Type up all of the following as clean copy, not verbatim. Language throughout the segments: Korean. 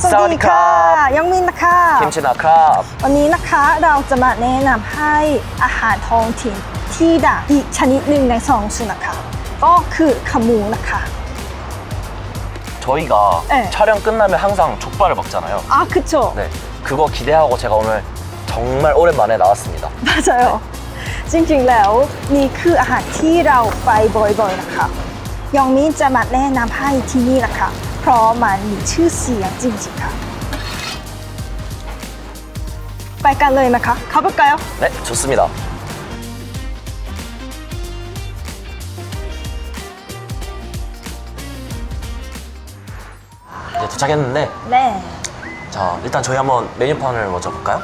สวัสดีค่ะยังมินนะคะคิมชินะครับวันนี้นะคะเราจะมาแนะนำให้อาหารท้องถิ่นที่ดังอีกชนิดหนึ่งในซองสุนะคะก็คือขาหมูนะคะ 저희가 네. 촬영 끝나면 항상 족발을 먹잖아요. 아 그쵸 네, 그거 기대하고 제가 오늘 정말 오랜만에 나왔습니다. 맞아요 จริงๆแล้วนี่คืออาหารที่เราไปบ่อยๆนะคะยองมินจะมาแนะนำให้ที่นี่นะคะเพราะมันมีชื่อเสียงจริงๆค่ะไปกันเลยไหมคะ가볼까요? 네, 좋습니다. 이제 도착했는데 네 자, 일단 저희 한번 메뉴판을 먼저 볼까요?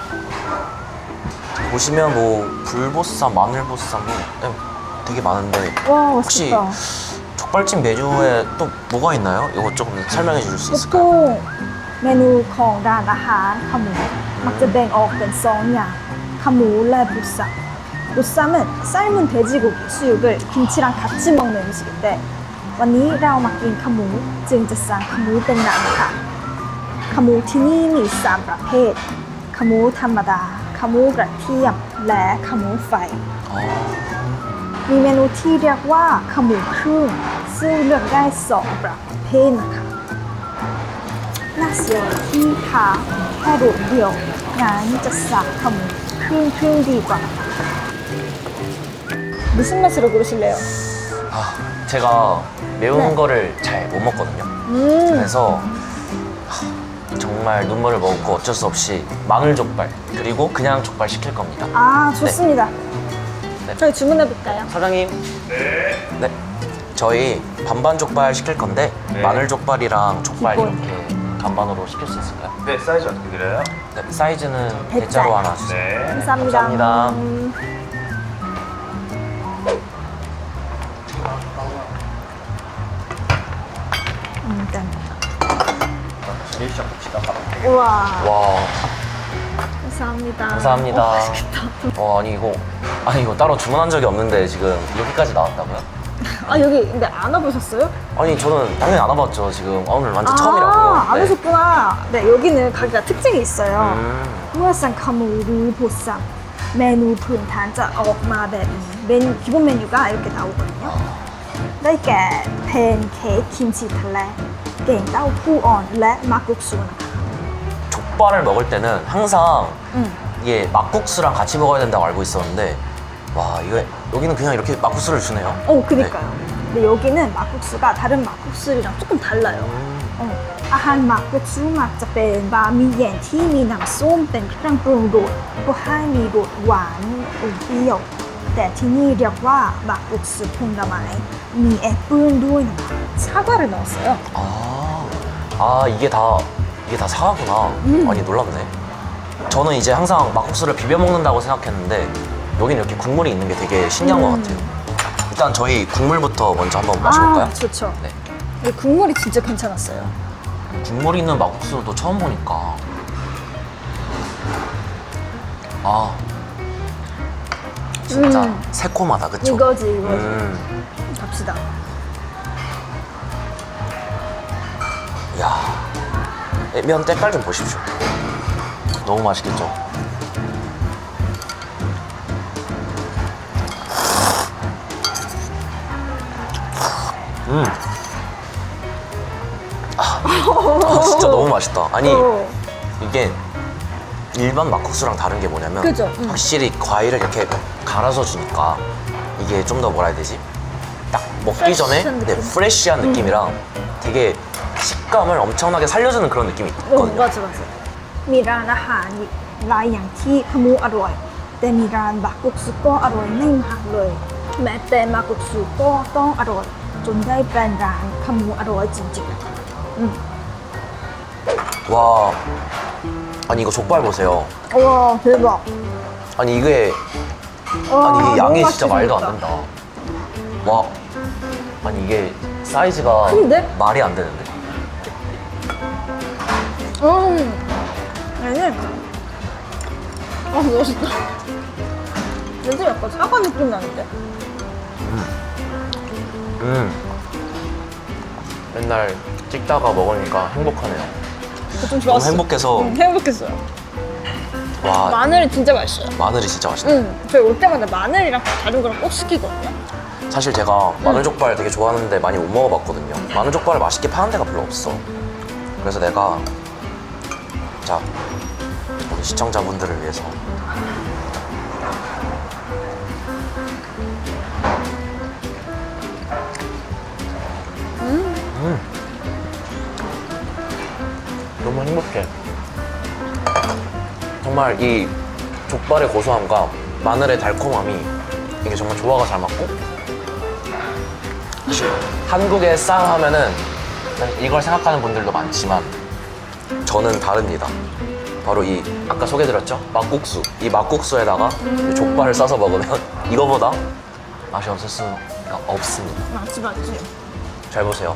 보시면 뭐 불보쌈, 마늘보쌈 뭐 네, 되게 많은데 와 혹시 맛있겠다 족발집 메뉴에 또 뭐가 있나요? 이거 조금 설명해 주실 수 있을까요? ทุกเมนูของร้านอาหารขาหมูมักจะแบ่งออกเป็นสองอย่างขาหมูและ보쌈 보쌈은 삶은 돼지고기 수육을 김치랑 같이 먹는 음식인데 วันนี้เรามากินขาหมูจึงจะสั่งขาหมูเป็นหนังค่ะขาหมูที่นี่มี3ประเภทขาหมูธรรมดาขาหมูกระเทียมและขาหมูไฟ มีเมนูที่เรียกว่าขาหมูครึ่งซึ่งเลือกได้2ประเภทนะคะน่าเสียดายที่ทานแค่โดดเดียวงั้นจะสั่งขาหมูครึ่งดีกว่านะคะ무슨 맛으로 고르실래요? 아, 제가 매운 네. 거를 잘 못 먹거든요. 그래서 정말 눈물을 먹고 어쩔 수 없이 마늘 족발 그리고 그냥 족발 시킬 겁니다. 아 좋습니다. 네. 저희 주문해 볼까요? 사장님. 네. 저희 반반 족발 시킬 건데 네. 마늘 족발이랑 족발 기본. 이렇게 반반으로 시킬 수 있을까요? 네, 사이즈 어떻게 드려요? 네. 사이즈는 대짜. 대짜로 하나 주세요. 네. 감사합니다. 감사합니다. 일단 리액션 봅시다. 우와 와, 감사합니다. 감사합니다. 맛있겠다. 아니 이거 따로 주문한 적이 없는데 지금 여기까지 나왔다고요? 아 여기 근데 안 와보셨어요? 아니 저는 당연히 안 와봤죠. 지금 오늘 완전 처음이라고요. 안 오셨구나. 네, 여기는 가게가 특징이 있어요. อืมเมื่อสั่งขาหมูหรือ보쌈เมนูพื้นฐานจะออกมาแบบนี้기본 메뉴가 이렇게 나오거든요. ได้แก่แพนเค้กคิมชิทะเลเก่งเต้าหู้อ่อนและ막국수นะคะ 족발을 먹을 때는 항상 이게 막국수랑 같이 먹어야 된다고 알고 있었는데 와 이거 여기는 그냥 이렇게 막국수를 주네요. 그니까요. 근데 여기는 막국수가 다른 막국수랑 조금 달라요. อาหารหมักกุกซูมักจะเป็นบะหมี่แยงที่มีน้ำส้มเป็นเครื่องปรุงรสเพื่อให้มีรสหวานอมเปรี้ยวแต่ที่นี่เรียกว่าหมักกุกซูผลไม้มีแอปเปิ้ลด้วยนะคะ사과를 넣었어요. 이게 다 사과구나. 아니 놀랍네. 저는 이제 항상 막국수를 비벼 먹는다고 생각했는데 여기는 이렇게 국물이 있는 게 되게 신기한 것 같아요. 일단 저희 국물부터 먼저 한번 마셔볼까요? 좋죠. 네. 이 국물이 진짜 괜찮았어요. 국물 있는 막국수는 또 처음 보니까 진짜 새콤하다 그쵸? 이거지. 갑시다. 이야 면 때깔 좀 보십시오. 너무 맛있겠죠? 진짜 너무 맛있다. 아니 이게 일반 막국수랑 다른 게 뭐냐면 그죠? 확실히 과일을 이렇게 갈아서 주니까 이게 좀 더 뭐라 해야 되지? 딱 먹기 전에 프레쉬한 네, 느낌? 프레쉬한 느낌이랑 되게 식감을 엄청나게 살려주는 그런 느낌이 있거든요. 맞아. มีร้านอาหารหลายอย่างที่ขาหมูอร่อยแต่มีร้านบักกุกซุก็อร่อยไม่มากเลยแม้แต่มากุกซุก็ต้องอร่อยจนได้เป็นร้านขาหมูอร่อยจริงๆนะคะ 와 아니 이거 족발 보세요. 와 대박. 아니 이게 와, 아니 이게 양이 너무 진짜 맛있게 말도 안 생겼다. 된다. 와 아니 이게 사이즈가 큰데? 말이 안 되는데. 얘는 멋있다. 냄새 약간 사과 느낌 나는데? 맨날 찍다가 먹으니까 행복하네요. 좀 너무 좋았어. 행복해서 행복했어요. 와 마늘이 진짜 맛있어요. 마늘이 진짜 맛있네. 저희 올 때마다 마늘이랑 다른 거랑 꼭 시키거든요. 사실 제가 마늘족발 되게 좋아하는데 많이 못 먹어봤거든요. 마늘족발을 맛있게 파는 데가 별로 없어. 그래서 내가 자 우리 시청자분들을 위해서 너무 행복해. 정말 이 족발의 고소함과 마늘의 달콤함이 이게 정말 조화가 잘 맞고, 한국의 쌈 하면은 이걸 생각하는 분들도 많지만 저는 다릅니다. 바로 이 아까 소개드렸죠? 막국수. 이 막국수에다가 이 족발을 싸서 먹으면 이거보다 맛이 없을 수가 없습니다. 맞지. 잘 보세요.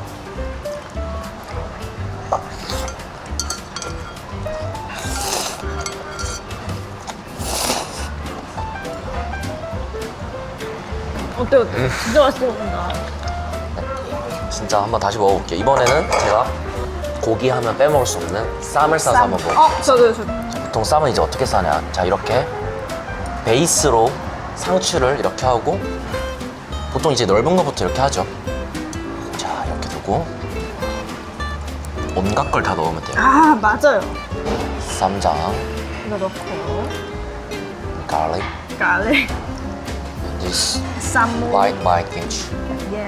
어때요? 진짜 맛있게 먹는다. 진짜 한번 다시 먹어볼게요. 이번에는 제가 고기 하면 빼먹을 수 없는 쌈을 싸서 한번 먹어볼게요. 저도요. 보통 쌈은 이제 어떻게 싸냐. 자, 이렇게 베이스로 상추를 이렇게 하고, 보통 이제 넓은 것부터 이렇게 하죠. 자, 이렇게 두고 온갖 걸 다 넣으면 돼요. 아, 맞아요. 쌈장, 이거 넣고 garlic, 갈릭, and this 쌈무. white kimchi. 예.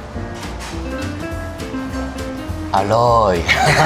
알로이.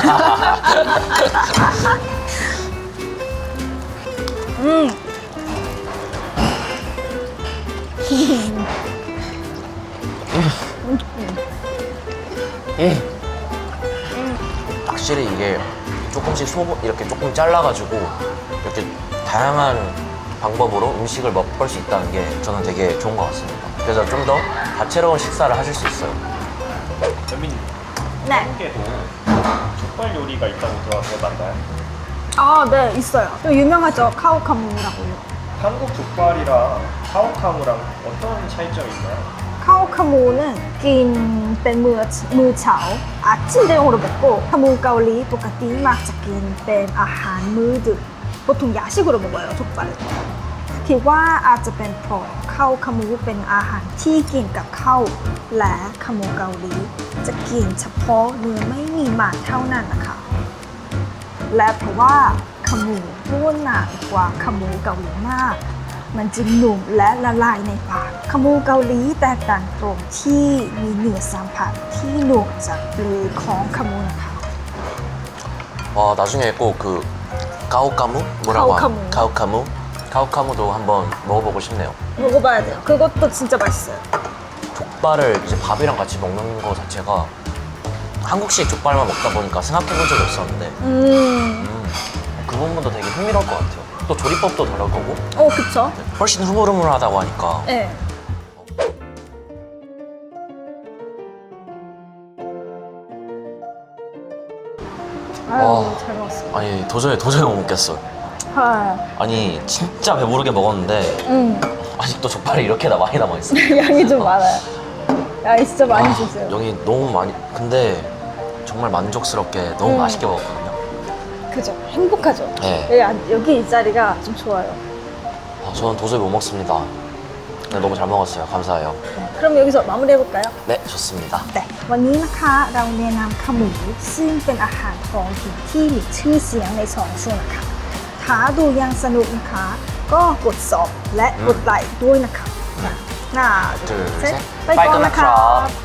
확실히 이게 조금씩 이렇게 조금 잘라가지고 이렇게 다양한 방법으로 음식을 맛볼 수 있다는 게 저는 되게 좋은 것 같습니다. 그래서 좀 더 다채로운 식사를 하실 수 있어요. 연민님, 네. 한국에도 족발 요리가 있다고 들어서 맞나요? 아, 네, 있어요. 좀 유명하죠. 카오카무라고요. 한국 족발이랑 카오카무랑 어떤 차이점이 있나요? 카오카무는 กินเป็นมื้อเช้า 아침 대용으로 먹고 카무 가올리 똑같이 막จะกินเป็นอาหารมื้อดึก 보통 야식으로 먹어요, 족발을. คิดว่าอาจจะเป็นเพราะข้าวขาหมูเป็นอาหารที่กินกับข้าวและขาหมูเกาหลีจะกินเฉพาะเนื้อไม่มีมันเท่านั้นนะคะ และเพราะว่าขาหมูร่วนหนากว่าขาหมูเกาหลีมาก มันจึงหนุ่มและละลายในปากขาหมูเกาหลีแตกต่างตรงที่มีเนื้อสัมผัสที่หนุ่มจากเปลือกของขาหมูนะคะ 와, 나중에 꼭 그 가오카무? 뭐라고 가오카무. 가오카무? 가오카무도 한번 먹어보고 싶네요. 먹어봐야 돼요. 그것도 진짜 맛있어요. 족발을 이제 밥이랑 같이 먹는 거 자체가 한국식 족발만 먹다 보니까 생각해본 적이 없었는데 그 부분도 되게 흥미로울 것 같아요. 또 조리법도 다를 거고 그쵸? 훨씬 흐물흐물하다고 하니까 네. 아유, 와. 잘 먹었어. 아니 도저히 못 먹겠어요. 아, 아니 진짜 배부르게 먹었는데 아직도 족발이 이렇게나 많이 남아있어요. 양이 좀 많아요. 양이 진짜 많이 아, 주세요. 여기 너무 많이, 근데 정말 만족스럽게 너무 맛있게 먹었거든요. 그죠? 행복하죠? 네. 여기 이 자리가 좀 좋아요. 아, 저는 도저히 못 먹습니다. 근데 너무 잘 먹었어요. 감사해요. 그럼 여기서 마무리해볼까요? 네, 좋습니다. วันนี้นะคะเราแนะนำขาหมูซึ่งเป็นอาหารท้องถิ่นที่มีชื่อเสียงในสองช่วงนะคะถ้าดูอยังสนุกนะคะก็กดซับและกดไลค์ด้วยนะคะน่า 둘, เซ็ต 셋. ไปก่อนนะคะ